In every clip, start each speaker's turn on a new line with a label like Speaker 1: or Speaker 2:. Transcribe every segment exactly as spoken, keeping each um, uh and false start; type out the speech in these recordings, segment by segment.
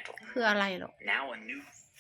Speaker 1: mantle.
Speaker 2: คืออะไรหรอ
Speaker 1: Now a new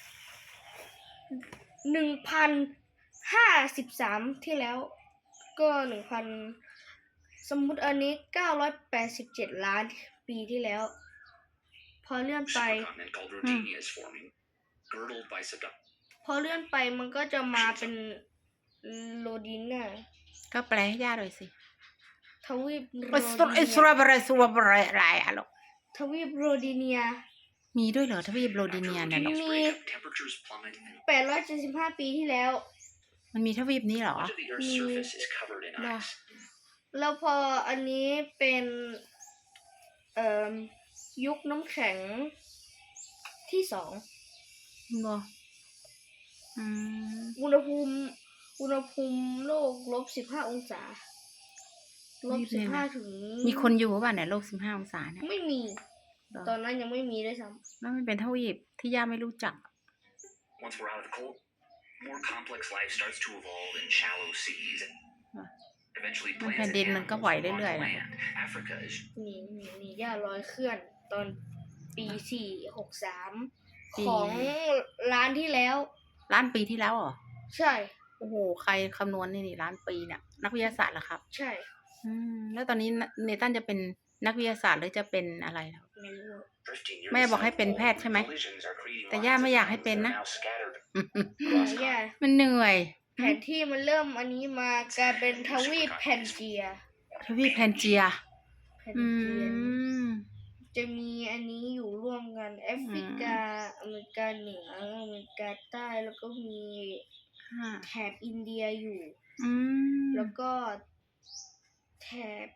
Speaker 3: หนึ่งพันห้าสิบสามที่แล้ว ก็หนึ่งพันสมมุติอันนี้เก้าร้อยแปดสิบเจ็ดล้านปีที่แล้ว พอเลื่อนไป
Speaker 1: supercontinent called Rodinia is forming, girdled by subduction.
Speaker 3: พอเลื่อนไปมันก็จะมาเป็นโรดิน่า
Speaker 2: ก็แปลให้ย่าหน่อยสิ
Speaker 3: ทวีปโร
Speaker 2: อิส
Speaker 3: ดิ
Speaker 2: ราอิสราเอลอิสราเอลอะไรอะหรอ
Speaker 3: ทวีปโรดิเนีย
Speaker 2: มีด้วยเหรอทวีปโรดิเนียเนี่ยหรอ
Speaker 1: Rodinia breakup, temperatures plummet, and
Speaker 3: แปดร้อยเจ็ดสิบห้าปีที่แล้ว
Speaker 2: มันมีทวีปนี้เหรอ
Speaker 1: much of the Earth's surface is covered in
Speaker 2: No.
Speaker 1: ice.
Speaker 3: แล้วพออันนี้เป็นเอ่อยุคน้ำแข็งที่สอง
Speaker 2: เหรออืม
Speaker 3: อุณหภูมิ อุณหภูมิโลกลบสิบห้าองศาลบสิบห้าถึง
Speaker 2: มีคนอยู่ป่ะเนี่ยโลกสิบห้าองศาเนี่ย
Speaker 3: ไม่มี
Speaker 2: เหรอ
Speaker 3: ตอนนั้นยังไม่มีด้วยซ้
Speaker 2: แล้วมันเป็นทวีปที่ย่าไม่รู้จัก
Speaker 1: Once we're out of the cold, more complex life starts to evolve in shallow seas.
Speaker 2: Huh.
Speaker 1: Eventually,
Speaker 2: มัน
Speaker 1: plants
Speaker 2: แผ่น
Speaker 1: and
Speaker 2: ดินมันก็
Speaker 1: animals
Speaker 2: ไหว
Speaker 1: move on
Speaker 2: เรื่อย
Speaker 1: to
Speaker 2: ๆนะ
Speaker 1: land. Africa is
Speaker 3: ำนี่นี่นี่ย่าลอยเคลื่อนตอนปีสี่หกสาม
Speaker 2: ปี
Speaker 3: ของร้านที่แล้ว
Speaker 2: ล้านปีที่แล้วเหรอ
Speaker 3: ใช่
Speaker 2: โอ้โห ใครคำนวณนี่นี่ล้านปีเนี่ยนักวิทยาศาสตร์เหรอครับ
Speaker 3: ใช่
Speaker 2: อืมแล้วตอนนี้เนตันจะเป็นนักวิทยาศาสตร์หรือจะเป็นอะไรล่ะ
Speaker 3: ไม่รู้
Speaker 1: drifting near
Speaker 2: แม่
Speaker 1: the
Speaker 2: บอกให้
Speaker 1: South
Speaker 2: เป็น
Speaker 1: Pole,
Speaker 2: แพทย์ใช่ไหม
Speaker 1: collisions are creating
Speaker 2: แต่
Speaker 1: lines
Speaker 2: ย่า
Speaker 1: of
Speaker 2: ไม่อยากให้
Speaker 1: lines
Speaker 2: เป็น
Speaker 1: that
Speaker 2: นะ
Speaker 1: are now scattered
Speaker 3: ย่า
Speaker 2: มันเหนื่อย
Speaker 3: แผนที่มันเริ่มอันนี้มากลายเป็นทวีปแพนเจีย
Speaker 2: ทวีปแพนเจีย
Speaker 3: แพน
Speaker 2: อื
Speaker 3: เจีย
Speaker 2: ม
Speaker 3: จะมีอันนี้อยู่ร่วมกันแอฟริกา อเมริกาเหนืออเมริกาใต้แล้วก็มี
Speaker 2: อ่า
Speaker 3: แถบอินเดียอยู่
Speaker 2: อืม
Speaker 3: แล้วก็แถบ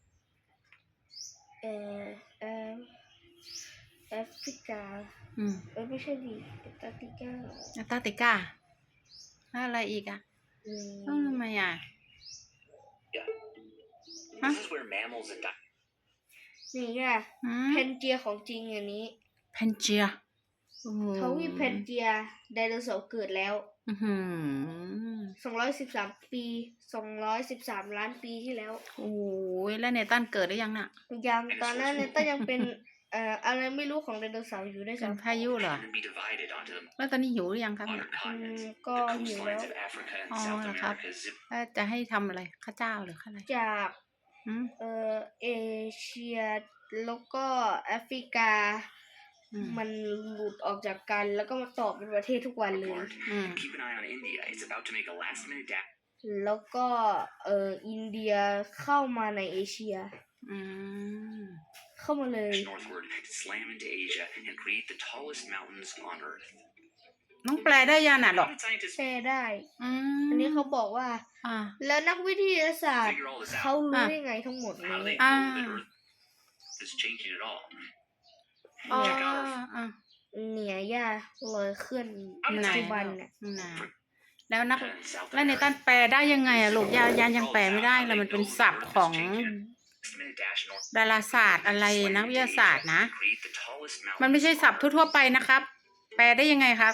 Speaker 3: เอ่อเอ่อแอฟริกา
Speaker 2: อืม
Speaker 3: เออไม่ใช่ดิแอตแลนติกา
Speaker 2: แอนตาร์กติกาแล้วอะไรอีกอ่ะ
Speaker 3: อืม
Speaker 2: เอ้าทำไมอ่ะ
Speaker 1: Yeah.
Speaker 2: Huh?
Speaker 1: This is where mammals and di-
Speaker 3: นี่ไง
Speaker 2: อืม
Speaker 3: เพนเจียของจริงอันนี้
Speaker 2: แพนเจียโอ้โห
Speaker 3: ทวีปเพนเจียไดโนเสาร์เกิดแล้ว
Speaker 2: อื้อหือ
Speaker 3: สองร้อยสิบสามปีสองร้อยสิบสามล้านปีที่แล้ว
Speaker 2: โอ้ยแล้วเนตันเกิดได้ยังน่ะ
Speaker 3: ยังตอนนั้นเนี่ยก็ยังเป็น เอ่ออะไรไม่รู้ของไดโนเสาร์อยู่ด้วย
Speaker 2: เป็น
Speaker 3: ซ้ำ
Speaker 2: พายุเหรอ
Speaker 1: and then be divided onto the
Speaker 2: แล้วตอนนี้หิวหรือยังครับเนี่ย
Speaker 1: modern continents.
Speaker 3: Mm,
Speaker 1: The
Speaker 3: go
Speaker 1: coastlines
Speaker 3: hiểu.
Speaker 1: of Africa and
Speaker 2: Oh,
Speaker 1: South
Speaker 2: là khắp.
Speaker 1: America zip
Speaker 2: แล้วจะให้ทำอะไรข้าวเจ้าหรือข้าวอะไร
Speaker 3: จาก
Speaker 2: อืม
Speaker 3: เอ่อเอเชียแล้วก็แอฟริกา
Speaker 2: อืม
Speaker 3: มันหลุดออกจากกันแล้วก็มาต่อเป็นประเทศทุกวันเลย
Speaker 1: apart.
Speaker 2: อืม
Speaker 1: And keep an eye on India. It's about to make a last-minute dash
Speaker 3: แล้วก็เอ่ออินเดียเข้ามาในเอเชีย
Speaker 2: อืม
Speaker 3: เข้ามาเลย
Speaker 1: northward to slam into Asia and create the tallest mountains on Earth.
Speaker 2: น้องแปลได้ยังน่ะหรอ
Speaker 1: How did scientists
Speaker 3: แปลได้
Speaker 2: อืม
Speaker 3: อันนี้เขาบอกว่า
Speaker 2: อ่า
Speaker 3: แล้วนักวิทยาศาสตร์
Speaker 1: figure all this
Speaker 3: เขา
Speaker 1: out?
Speaker 3: รู้ได้ไงทั้งหมด
Speaker 1: How do
Speaker 3: นี้
Speaker 1: they know that
Speaker 2: Ah.
Speaker 1: Earth is changing at all?
Speaker 2: อ๋อ
Speaker 1: Check out Earth.
Speaker 2: อ่ะ
Speaker 3: เนี่ยย่าลอยเคลื่อน
Speaker 2: ไหน
Speaker 3: ปัจจุบันเนี่ย
Speaker 2: ไหนแล้วนัก
Speaker 1: And South
Speaker 2: แล้วเนตัน
Speaker 1: America.
Speaker 2: แปลได้ยังไงอะลูกยายายังแปลไม่ได้เลยมันเป็นศัพท์ของ
Speaker 1: Last-minute dash north.
Speaker 2: ดาราศาสตร์อะไรนักวิทยาศาสตร์นะ
Speaker 1: Create the tallest
Speaker 2: มันไม่ใช่
Speaker 1: mountains
Speaker 2: ศัพ
Speaker 1: on
Speaker 2: ท์
Speaker 1: Earth.
Speaker 2: ทั่วๆไปนะครับ แปลได้ยังไงครับ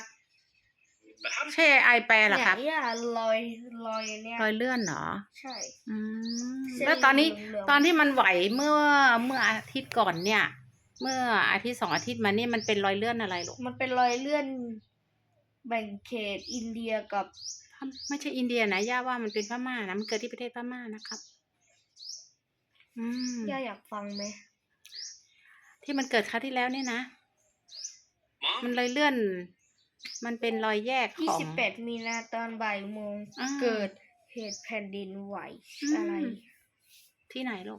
Speaker 1: But how does
Speaker 2: ใช่ไอแปลเหรอ
Speaker 3: เนี่ย
Speaker 2: ครับ
Speaker 3: ย่าลอยลอยเนี่ย
Speaker 2: รอยเลื่อนเหรอ
Speaker 3: ใช่
Speaker 2: อืม
Speaker 3: เส้น
Speaker 2: แล้วตอนนี้
Speaker 3: เหลืองๆ
Speaker 2: ตอนที่มันไหวเมื่อเมื่ออาทิตย์ก่อนเนี่ย เมื่ออาทิตย์สองอาทิตย์มานี่มันเป็นรอยเลื่อนอะไรลูก
Speaker 3: มันเป็นรอยเลื่อนแบ่งเขตอินเดียกับ
Speaker 2: ไม่ใช่อินเดียนะย่าว่ามันเป็นพม่านะมันเกิดที่ประเทศพม่านะครับ อืม
Speaker 3: ย่าอยากฟังไหม
Speaker 2: ที่มันเกิดคราวที่แล้วเนี่ยนะ
Speaker 1: Mom?
Speaker 2: มันเลยเลื่อน มันเป็นรอยแยก
Speaker 3: ยี่
Speaker 2: ของ
Speaker 3: สิบแปดมีนาตอนบ่ายโมง
Speaker 2: อ่า
Speaker 3: เกิดเหตุแผ่นดินไหว
Speaker 2: อืม
Speaker 3: อะไร
Speaker 2: ที่ไหนลูก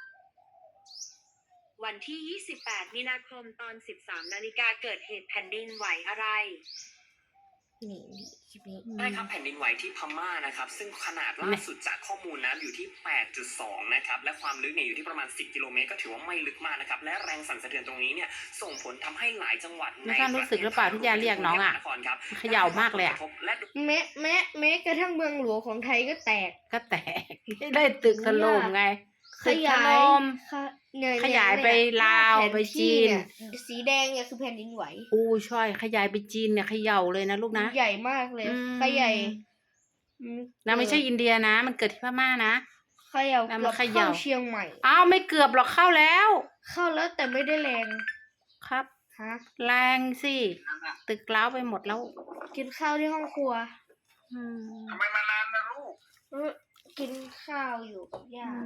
Speaker 4: วันที่ ยี่สิบแปด มีนาคมตอน สิบสาม นาฬิกาเกิดเหตุแผ่นดินไหวอะไร
Speaker 3: นี่นี่คลิปนี้
Speaker 5: ได้ครับแผ่นดินไหวที่พม่านะครับซึ่งขนาดล่าสุดจากข้อมูลนะอยู่ที่ แปดจุดสอง นะครับและความลึกเนี่ยอยู่ที่ประมาณ สิบ กิโลเมตรก็ถือว่าไม่ลึกมากนะครับและแรงสั่นสะเทือนตรงนี้เนี่ยส่งผลทำให้หลายจังหวัด
Speaker 2: แล้วท่านรู้สึกหรือเปล่าที่ยาเรียกน้องอะ
Speaker 5: นครครับ
Speaker 2: เขย่ามากเลยอะ
Speaker 5: และ
Speaker 3: แม้แม้แม้กระทั่งเมืองหลวงของไทยก็แตก
Speaker 2: ก็แตก ได้ตึกถล่มไง
Speaker 3: ข
Speaker 2: ตึกถ
Speaker 3: ยาย
Speaker 2: ล่ม
Speaker 3: ขะเนี่ย
Speaker 2: ขยายไปลาว
Speaker 3: แผน
Speaker 2: ไป
Speaker 3: ที่
Speaker 2: จีน
Speaker 3: เยสีแดงเนี่ยคือแผ่นดินไหว
Speaker 2: อู้ช่อยขยายไปจีนเนี่ยเขย่าเลยนะลูกนะ
Speaker 3: ใหญ่มากเลย
Speaker 2: อืม
Speaker 3: ขยาย
Speaker 2: นะไม่ใช่อินเดียนะ มันเกิดที่พม่านะ
Speaker 3: เขย่า
Speaker 2: แล้วมั
Speaker 3: เกือน บ
Speaker 2: เขย่า
Speaker 3: เข้าเชียงใหม่
Speaker 2: อ้าวไม่เกือบหรอกเข้าแล้ว
Speaker 3: เข้าแล้วแต่ไม่ได้แรง
Speaker 2: ครับ
Speaker 3: ฮะ
Speaker 2: แรงสิ ตึกร้าวไปหมดแล้ว
Speaker 3: กินข้าวที่ห้องครัว
Speaker 2: อืม
Speaker 6: ทำไมมานานนะลูก
Speaker 3: เออกินข้าวอยู่กับย่า
Speaker 2: อื